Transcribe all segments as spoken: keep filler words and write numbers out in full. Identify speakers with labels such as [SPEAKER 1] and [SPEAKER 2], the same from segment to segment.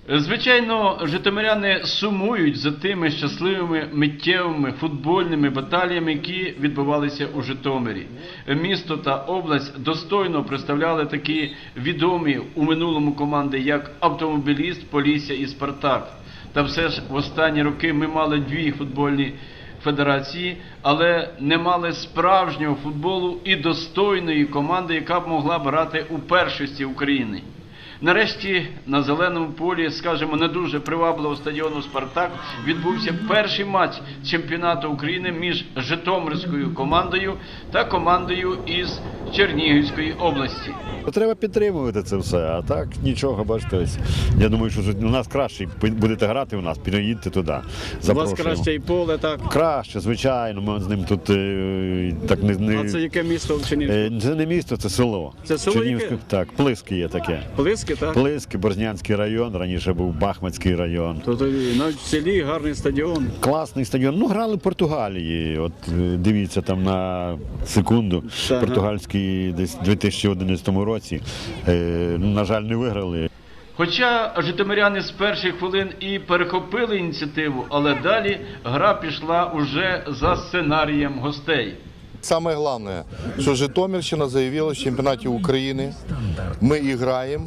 [SPEAKER 1] Звичайно, житомиряни сумують за тими щасливими миттєвими футбольними баталіями, які відбувалися у Житомирі. Місто та область достойно представляли такі відомі у минулому команди, як Автомобіліст, Полісся і Спартак. Та все ж в останні роки ми мали дві футбольні федерації, але не мали справжнього футболу і достойної команди, яка б могла брати у першості України. Нарешті на зеленому полі, скажімо, не дуже привабливого стадіону «Спартак» відбувся перший матч чемпіонату України між житомирською командою та командою із Чернігівської області.
[SPEAKER 2] Треба підтримувати це все, а так нічого, бачите. Я думаю, що у нас краще, будете грати у нас, під'їдьте туди.
[SPEAKER 3] У вас краще і поле, так?
[SPEAKER 2] Краще, звичайно, ми з ним тут е, так не... не...
[SPEAKER 3] А це яке місто в Чернігівську?
[SPEAKER 2] Е, це не місто, це село.
[SPEAKER 3] Це село яке?
[SPEAKER 2] Так, Плиски є таке.
[SPEAKER 3] Плиски, так?
[SPEAKER 2] Плиски, Борзнянський район, раніше був Бахмацький район.
[SPEAKER 3] Тобто навіть в селі гарний стадіон.
[SPEAKER 2] Класний стадіон. Ну, грали в Португалії. От дивіться там на секунду.
[SPEAKER 3] Ага.
[SPEAKER 2] Португальський десь у дві тисячі одинадцятому році. Е, на жаль, не виграли.
[SPEAKER 1] Хоча житомиряни з перших хвилин і перехопили ініціативу, але далі гра пішла уже за сценарієм гостей.
[SPEAKER 4] Самое главное, что Житомирщина заявила в чемпионате Украины. Мы играем,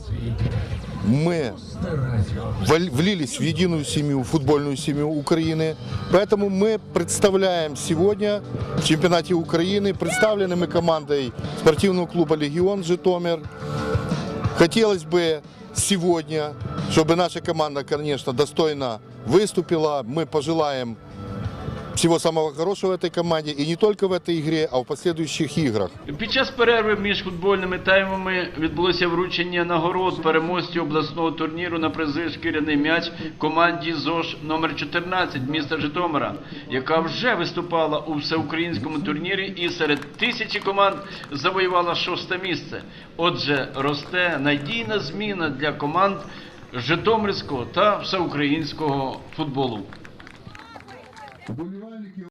[SPEAKER 4] мы влились в единую семью, футбольную семью Украины. Поэтому мы представляем сегодня в чемпионате Украины, представлены мы командой спортивного клуба «Легион» Житомир. Хотелось бы сегодня, чтобы наша команда, конечно, достойно выступила. Мы пожелаем всего самого хорошего в этой команде, и не только в этой игре, а в последующих играх.
[SPEAKER 1] Під час перерви між футбольними таймами відбулося вручення нагород переможців обласного турніру на призи «Шкіряний м'яч» команді ЗОШ номер чотирнадцять міста Житомира, яка вже виступала у всеукраїнському турнірі і серед тисячі команд завоювала шосте місце. Отже, росте надійна зміна для команд житомирського та всеукраїнського футболу.